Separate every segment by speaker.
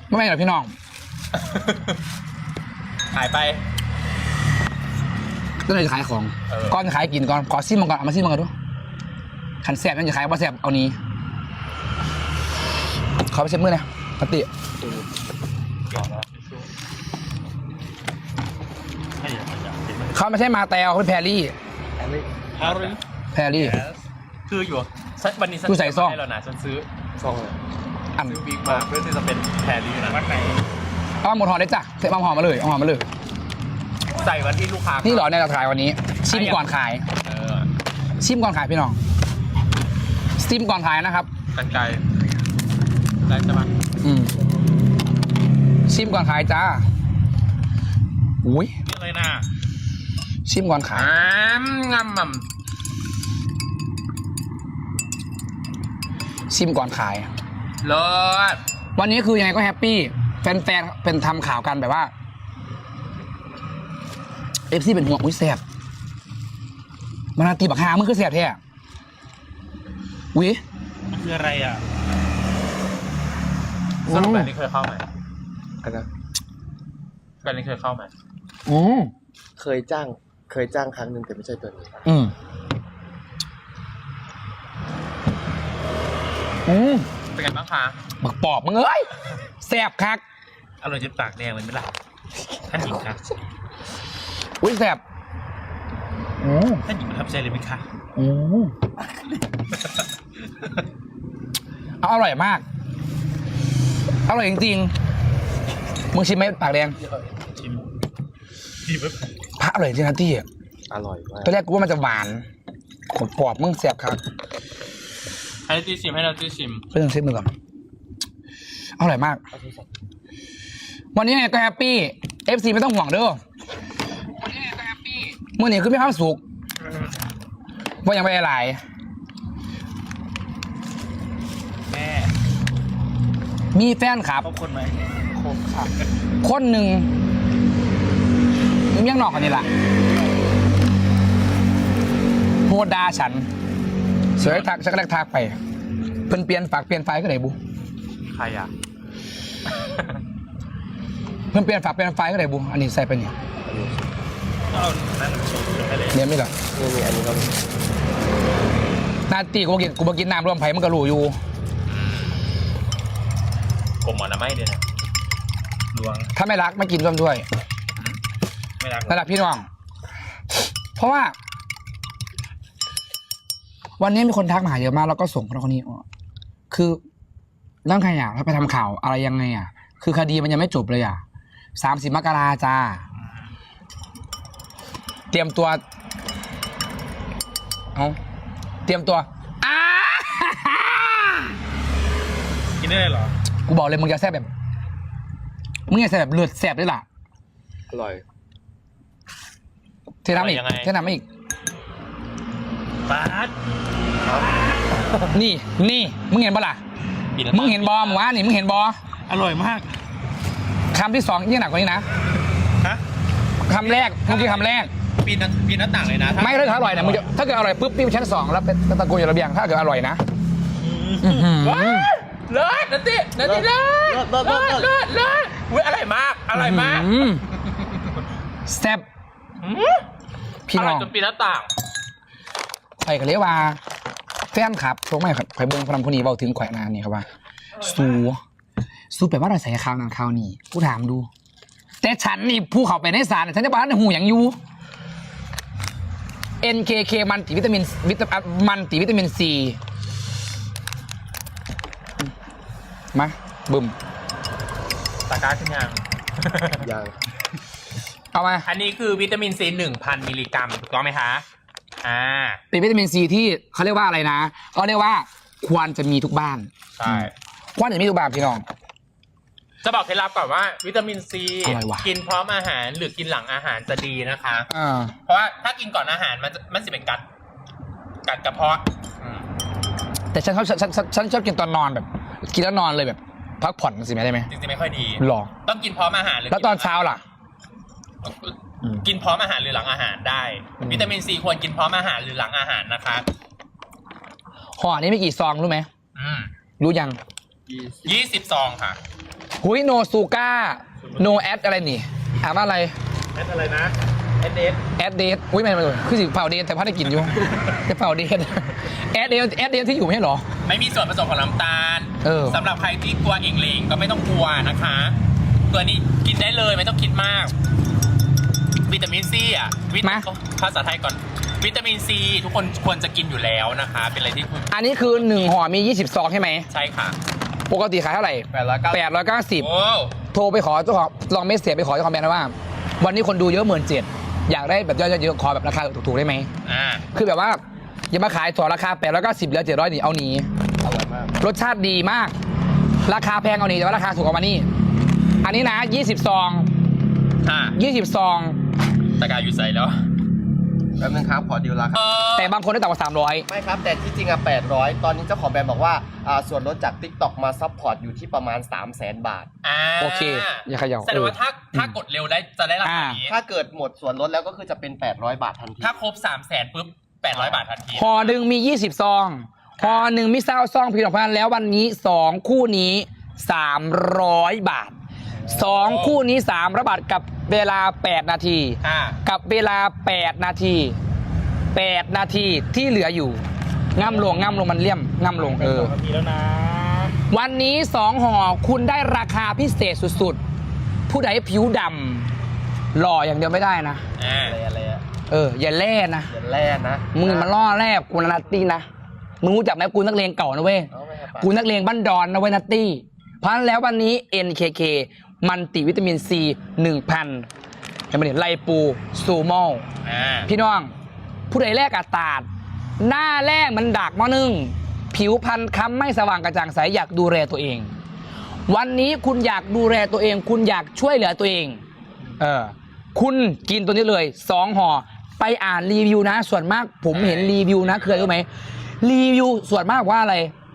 Speaker 1: ไม่หรอกพี่น้อง
Speaker 2: ขายไป
Speaker 1: ก็เลยจะขายของก่อนจะขายกินก่อนขอซิมมันก่อนเอามาซิมมันก่อนดูขันแสบนั่นจะขายว่าแสบเอานี้ขอไปเช็ดมือนะปกติเขาไม่ใช่มาแตวเขาเป็นแพรรี่แพรรี่
Speaker 2: คืออยู่วันนี้ฉัน
Speaker 1: ใส่ซอง
Speaker 2: ให้เรานะฉันซื้อซองเลย
Speaker 1: อัน
Speaker 2: ซื้อบิ๊กมาเพื่อที่จะเป็นแพรรี่นะวันไหน
Speaker 1: เอาหมดห่อได้จ้ะเสร็จมาห่อมาเลยเอาห่อมาเลย
Speaker 2: ใส่วันที่ลูกค้า
Speaker 1: นี่หรอในราคาวันนี้ชิมก่อนขายชิมก่อนขายพี่น้องชิมก่อนขายนะครับ
Speaker 2: กันไกลได้ใช่ไหม
Speaker 1: ชิมก่อนขายจ้าอุ้ย
Speaker 2: นี่เลยนะ
Speaker 1: ชิมก่อนขาย
Speaker 2: งำ
Speaker 1: ชิมก่อนขาย
Speaker 2: เลิศ
Speaker 1: วันนี้คือยังไงก็แฮปปี้แฟนๆเป็นทำข่าวกันแบบว่าFCเป็นห่วงอุ้ยแสบมันตีบักฮามึงคือแสบแท้อุ้ย
Speaker 2: มันคืออะไรอ่ะสรุปแบบนี้เคยเข้าไหม
Speaker 3: อะไร
Speaker 2: แบบนี้เคยเข้าไหม
Speaker 3: เคยจ้างครั้งหนึ่งแต่ไม่ใช่ตัวนี้
Speaker 2: เป็นไงบ้างคะ
Speaker 1: บักปอบมึงเอ้ยแสบคัก
Speaker 2: อร่อยจนปากแดงเลยไหมล่ะท่านหญิงคะ
Speaker 1: อุ้ยแสบ
Speaker 2: ท่านหญิงประทับใจเลยไหมคะ
Speaker 1: อร่อยมากอร่อยจริงๆมึงชิมไหมปากแดง
Speaker 2: ชิม
Speaker 1: พระอร่อยจริงนะที่
Speaker 3: อร่อยมาก
Speaker 1: ตอนแรกกูว่ามันจะหวานปอบมึงแสบครับ
Speaker 2: ให้ที่ชิมให้เราที่ชิม
Speaker 1: เพื่อนเช็คมือก่อนอร่อยมากวันนี้ก็แฮปปี้ FC ไม่ต้องห่วงเด้อวันนี้ก็แฮปปี้เมื่อนี้คือไม่ความสุขว่ายังไม่อะไร
Speaker 2: แม่
Speaker 1: มีแฟนครับ
Speaker 2: คบคนไหมคบค่ะ
Speaker 1: คนหนึ่งมึงยังนอกกันนี่แหละโหดาฉันเสือทักชักแรกทักไปเพิ่นเปลี่ยนฝากเปลี่ยนไฟก็ไหนบุ
Speaker 2: ใครอ่ะ
Speaker 1: เพิ่นเปลี่ยนฝากเปลี่ยนไฟก็ไหนบุอันนี้ใส่ไปเนี่ยเนี่ยไม่หรอ
Speaker 3: นี่อันนี้ก็
Speaker 1: นาตีกูบอกกินน้ำรวมไผ่มันก็รู้อยู่
Speaker 2: ผมหมอนะไม่เดี๋ยวนะดวง
Speaker 1: ถ้าไม่รักไม่กินร่วมด้วย
Speaker 2: ไม่รัก
Speaker 1: พี่น้องเพราะว่าวันนี้มีคนทักมาหาเยอะมากแล้วก็ส่งคนนี้คือเรื่องใครอ่ะถ้าไปทำข่าวอะไรยังไงอ่ะคือคดีมันยังไม่จบเลยอ่ะ30 มกราจ้าเตรียมตัวเตรียมตัว
Speaker 2: กินได้เลยเหรอ
Speaker 1: กูบอกเลยมึงจะแซ่บแบบมึงจะแซ่บแบบเลือดแซ่บด้วยล่ะ
Speaker 3: อร่อย
Speaker 1: เทน้ำอีก
Speaker 2: ปาด
Speaker 1: นี่มึงเห็นปะล่ะมึงเห็นบอมึงวะนี่มึงเห็นบอ
Speaker 2: อร่อยมาก
Speaker 1: คำที่2ยิ่งหนักกว่านี้นะคำแรกเมื่อกี้คำแรก
Speaker 2: ปีนหน้าต่างเลยนะ
Speaker 1: ไม่ถ้าอร่อยนะมึงถ้าเกิดอร่อยปุ๊บปีนชั้น2แล้วเป็นตะโกนอยู่ระเบียงถ้าเกิดอร่อยนะ
Speaker 2: เลิศนัตติเลิศอุ้ยอร่อยมาก
Speaker 1: แซ่บพี่น้อง
Speaker 2: จนปีนหน้าต่าง
Speaker 1: ข่อยก็เรียกว่าแฟนครับโชคไม่ข่อยเบิ้งพลังคนนี้เบาถึงข่อยนานนี่ครับว่าสู้แปลว่าเราใส่ข้าวนั้นข้าวนี้กูถามดูแต่ฉันนี่ผู้เขาไปในสารฉันจะบอกว่าหูอย่างยู NKK มันติวิตามินCมาบึ้ม
Speaker 2: ตะกร้าขึ้นยัง
Speaker 1: เอามา
Speaker 2: อันนี้คือวิตามิน C 1,000 มิลลิกรัมถูกต้องไหมคะ
Speaker 1: เป็นวิตามินซีที่เขาเรียกว่าอะไรนะเขาเรียกว่าควรจะมีทุกบ้าน
Speaker 2: ใช่
Speaker 1: ควรจะมีทุกบ้านพี่น้อง
Speaker 2: จะบอกเคล็ดลับก่อนว่าวิตามินซีกินพร้อมอาหารหรือกินหลังอาหารจะดีนะคะเพราะว่าถ้ากินก่อนอาหารมันจะเป็นกัดกระเพาะ
Speaker 1: แต่ฉันชอบกินตอนนอนแบบกินแล้วนอนเลยแบบพักผ่อนสิไม่ได้ไหม
Speaker 2: จริงๆไม่ค่อยดี
Speaker 1: หรอ
Speaker 2: ต้องกินพร้อมอาหารหรือ
Speaker 1: แล้วตอนเช้าล่ะ
Speaker 2: กินพร้อมอาหารหรือหลังอาหารได้วิตามินซีควรกินพร้อมอาหารหรือหลังอาหารนะคะ
Speaker 1: ห่อนี้มีกี่ซองรู้ไหมรู้ยัง
Speaker 2: 20 ซองค่ะ
Speaker 1: หุยโนซูก้าโนแอดอะไรนี่อ่านว่าอะไร
Speaker 2: แอดอะไรนะแอดเดส
Speaker 1: แอดเดทอุ้ยไม่เลยคือสิเผาเดทแต่พัดได้กินอยู่จะเผาเดทแอดเดทที่อยู่ไม่ใช่เหรอ
Speaker 2: ไม่มีส่วนผสมของน้ำตาล สำหรับใครที่กลัวเองเลงก็ไม่ต้องกลัวนะคะ ตัวนี้กินได้เลยไม่ต้องคิดมาก วิตามินซีอ่ะภาษาไทยก่อน วิตามินซีทุกคนควรจะกินอยู่แล้วนะคะ เป็นอะไรที่คุณ
Speaker 1: อันนี้คือ1ห่อมี20ซองใช่ไหม
Speaker 2: ใช่ค่ะ
Speaker 1: ปกติขายเท่าไหร่
Speaker 3: 890
Speaker 2: โอ้
Speaker 1: 890โทรไปขอเจ้าของลองเมสเซจไปขอเจ้าของแบรนด์ว่า วันนี้คนดูเยอะ17,000อยากได้แบบยอดเยอะขอแบบราคาถูกๆได้ไหม คือแบบว่าอย่ามาขายต่อราคา890เหลือ700นี่เอาหนี
Speaker 3: อร่อยมาก
Speaker 1: รสชาติดีมาก ราคาแพงเอาหนีแต่ว่าราคาถูกกว่ามานี่อันนี้นะ20ซอง
Speaker 2: ค่ะ
Speaker 1: 20ซอง
Speaker 2: ตะกายอยู่ใส่แล้ว
Speaker 3: แป๊บนึงครับขอดีลราคา
Speaker 1: แต่บางคนได้ต่ำกว่า300
Speaker 3: ไม่ครับ แต่ที่จริงอะ800 ตอนนี้เจ้าของแบรนด์บอกว่าส่วนลดจาก TikTok มาซัพพอร์ตอยู่ที่ประมาณ 300,000 บาท
Speaker 1: โอเคอย่าเขย่า
Speaker 2: แสดงว่าถ้ากดเร็วได้จะได้ราคานี้
Speaker 3: ถ้าเกิดหมดส่วนลดแล้วก็คือจะเป็น800 บาททันที
Speaker 2: ถ้าครบ 300,000ปุ๊บ800 บาททันที
Speaker 1: ห่อหนึ่งมี20ซองห่อหนึ่งมี20ซองพี่น้องพันแล้ววันนี้2คู่นี้300 บาท2คู่นี้300 บาทกับเวลา8นาที กับเวลา8นาที8นาทีที่เหลืออยู่ง่ำลงมันเลี่ยมง่ำลง
Speaker 2: มีแล้วนะ
Speaker 1: วันนี้2ห่อคุณได้ราคาพิเศษสุดๆผู้ใดผิวดำหล่ออย่างเดียวไม่ได้นะ
Speaker 3: อะไรอะ
Speaker 1: อย่าแล่นะ
Speaker 3: อย่าแล่นะ
Speaker 1: มึงมันล่อแรกกูนัตตี้นะมึงรู้จักไหมกูนักเลงเก่านะเว้ย
Speaker 3: เอาไหมครับ
Speaker 1: กูนักเลงบ้านดอนนะเว้ยนัตตี้เพราะฉะนั้นแล้ววันนี้ NKK มันติวิตามินซี 1,000ยังไม่เห็นไลปูซูโมอลพี่น้องผู้ใดแรกอัตราดหน้าแรกมันดักมอนึงผิวพรรณค้ำไม่สว่างกระจ่างใสอยากดูแลตัวเอง วันนี้คุณอยากดูแลตัวเอง คุณอยากช่วยเหลือตัวเองคุณกินตัวนี้เลย2ห่อไปอ่านรีวิวนะส่วนมากผมเห็นรีวิวนะคืออะไรรู้ไหมรีวิวส่วนมากว่าอะไร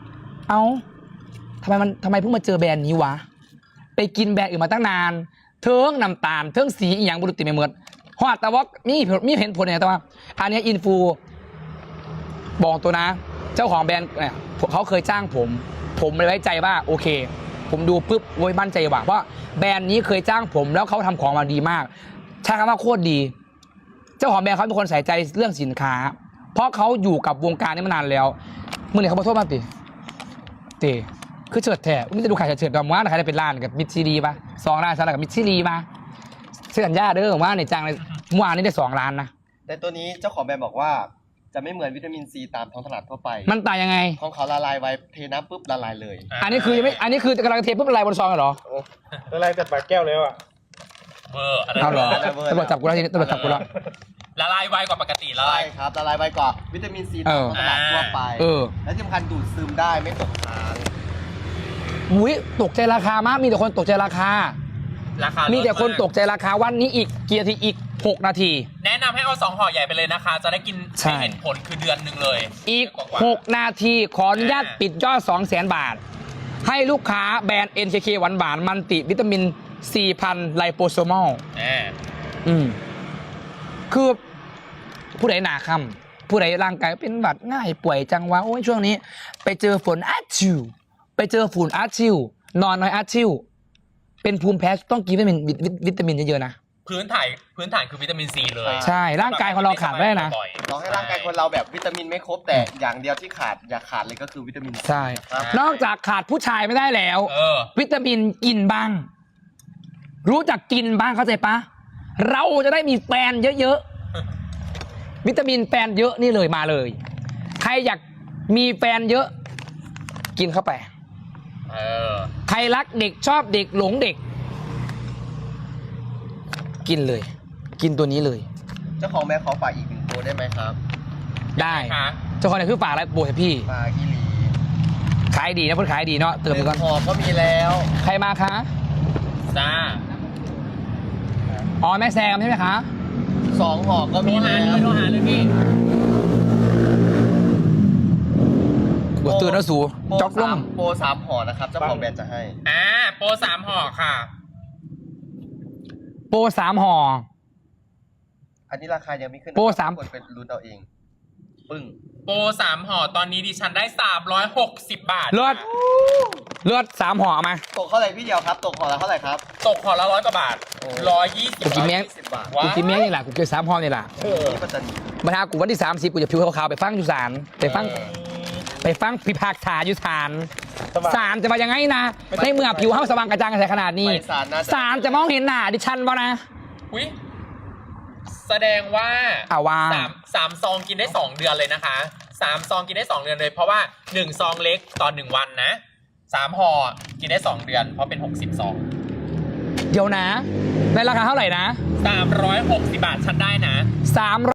Speaker 1: ทำไมเพิ่งมาเจอแบรนด์นี้วะไปกินแบรนด์อื่นมาตั้งนานเทิงน้ำตาลเทิงสีอีหยังบุรุษติไม่เหมือนฮอดแต่ว่ามีเห็นผลเนี่ยแต่ว่าอันนี้อินฟูบอกตัวนะเจ้าของแบรนด์เนี่ยเขาเคยจ้างผมเลยไว้ใจว่าโอเคผมดูปุ๊บโว้ยมั่นใจว่าเพราะแบรนด์นี้เคยจ้างผมแล้วเขาทำของมาดีมากใช่คำว่าโคตรดีเจ้าของแบรนด์เขาเป็นคนใส่ใจเรื่องสินค้าเพราะเขาอยู่กับวงการนี้มานานแล้วมึงเนี่ยเขาบอกโทษมาติคือเฉิดแท้ไม่จะดูขายเฉิดแบบว่าใครได้เป็นร้านกับมิตรซีรีป่ะ2 ร้านสำหรับกับมิตรซีรีป่ะเสื้อสัญญาเด้อว่าในจ้างเลยเมื่อวานนี้ได้2 ร้านนะ
Speaker 3: แต่ตัวนี้เจ้าของแบรนด์บอกว่าจะไม่เหมือนวิตามินซีตามท้องตลาดทั่วไป
Speaker 1: มันต่างยังไง
Speaker 3: ของเขาละลายไว้เทน้ำปุ๊บละลายเลย
Speaker 1: อันนี้คือกำลังเทปุ๊บละลายบนซองเหรอ
Speaker 2: ละลายจากปากแก้วแล้วอ่ะ
Speaker 1: เอาเหรอตำรวจจับกูแล้วทีนี้ตำรวจจับกูแล้ว
Speaker 2: ละลายไวกว่าปกติละลาย
Speaker 3: ครับละลายไวกว่าวิตามินซีตามท้องตลาดทั่วไปและที่สำคัญดูดซึมได้ไม่ตกค้าง
Speaker 1: อุ้ยตกใจราคามากมีแต่คนตกใจราคามีแต่คนตกใจราคาวันนี้อีกกี่นาทีอีก6 นาที
Speaker 2: แนะนำให้เอา2ห่อใหญ่ไปเลยนะคะจะได้กินให้เห็นผลคือเดือนหนึ่งเลย
Speaker 1: อีก6 นาทีขออนุญาตปิดยอด 200,000 บาทให้ลูกค้าแบรนด์ NKK หวานมันติวิตามิน 4,000 ไลโปโซมอลคือผู้ใดหนาคำผู้ใดร่างกายเป็นหวัดง่ายป่วยจังวะโอ้ยช่วงนี้ไปเจอฝนอาชิวไปเจอฝุ่นอาชิวนอนน้อยอาชิวเป็นภูมิแพ้ต้องกินวิตามินเยอะๆนะ
Speaker 2: พื้นฐานคือวิตามินซีเลย
Speaker 1: ใช่ร่างกายของเราขาดไม่ได้นะ
Speaker 3: ลองให้ร่างกายคนเราแบบวิตามินไม่ครบแต่อย่างเดียวที่ขาดอย่าขาดเลยก็คือวิตามิน
Speaker 1: ใช่นอกจากขาดผู้ชายไม่ได้แล้ววิตามินกินบ้างรู้จักกินบ้างเข้าใจปะเราจะได้มีแฟนเยอะๆวิตามินแฟนเยอะนี่เลยมาเลยใครอยากมีแฟนเยอะกินเข้าไปใครรักเด็กชอบเด็กหลงเด็กกินเลยกินตัวนี้เลย
Speaker 3: เจ้าของแม่ขอฝากอีก1ตัวได้ไหมครับ
Speaker 1: ได้เจ้าของเนี่ยคือฝากอะไรโบให้พี่
Speaker 3: ฝากกิลี
Speaker 1: ขายดีนะเพื่อนขายดีเนาะเติมไปก่อน
Speaker 3: ห่อก็มีแล้ว
Speaker 1: ใครมาคะ
Speaker 2: จ้า
Speaker 1: อ๋อแม่แซมใช่ไหมคะ
Speaker 3: 2ห่อก็มีแล้ว
Speaker 2: โทรหาเลยพี่
Speaker 1: ตื่นแล้วสูจ็อกลง
Speaker 3: โปร3ห่อนะครับเจ้าของแบรนด์จะให้
Speaker 2: โปร3ห่อค่ะ
Speaker 1: โปร3ห่อ
Speaker 3: อันนี้ราคายังไม่ขึ้น
Speaker 1: โปร3
Speaker 3: คนเป็นรุ่นเอาเองปึ้ง
Speaker 2: โปร3ห่อตอนนี้ดิฉันได้360 บาท
Speaker 1: เลือด3ห่อเอามา
Speaker 3: ตกเท่าไหร่พี่เดียวครับ ตกห่อละเท่าไหร่ครับ
Speaker 2: ตกห่อละ100 กว่าบาท 120
Speaker 1: กูกินแม่ง
Speaker 3: 10 บาท
Speaker 2: ว้า
Speaker 1: กูกินเมียนี่แหละกูกิน3ห่อนี่แหละ
Speaker 3: นี่ปัตตานี
Speaker 1: มาทากูวันที่30กูจะผิวขาวๆไปฟังอยู่ศาลไปฟังพิพากษาอยู่ศาลศาลจะมายังไงนะในเมื่อผิวเฮาสว่างกระจ่างใสขนาดนี้
Speaker 3: ไปศาลน่าจะ
Speaker 1: ศาลจะมองเห็นหน้าดิฉันบ่นะ
Speaker 2: อุ๊ยแสดงว่า
Speaker 1: ว่า
Speaker 2: สามซองกินได้2 เดือนเลยนะคะ3ซองกินได้2 เดือนเลยเพราะว่า1ซองเล็กต่อ1วันนะ3ห่อกินได้2 เดือนเพราะเป็น60ซอง
Speaker 1: เดี๋ยวนะในราคาเท่าไหร่นะ
Speaker 2: 360 บาทฉันได้นะ
Speaker 1: 3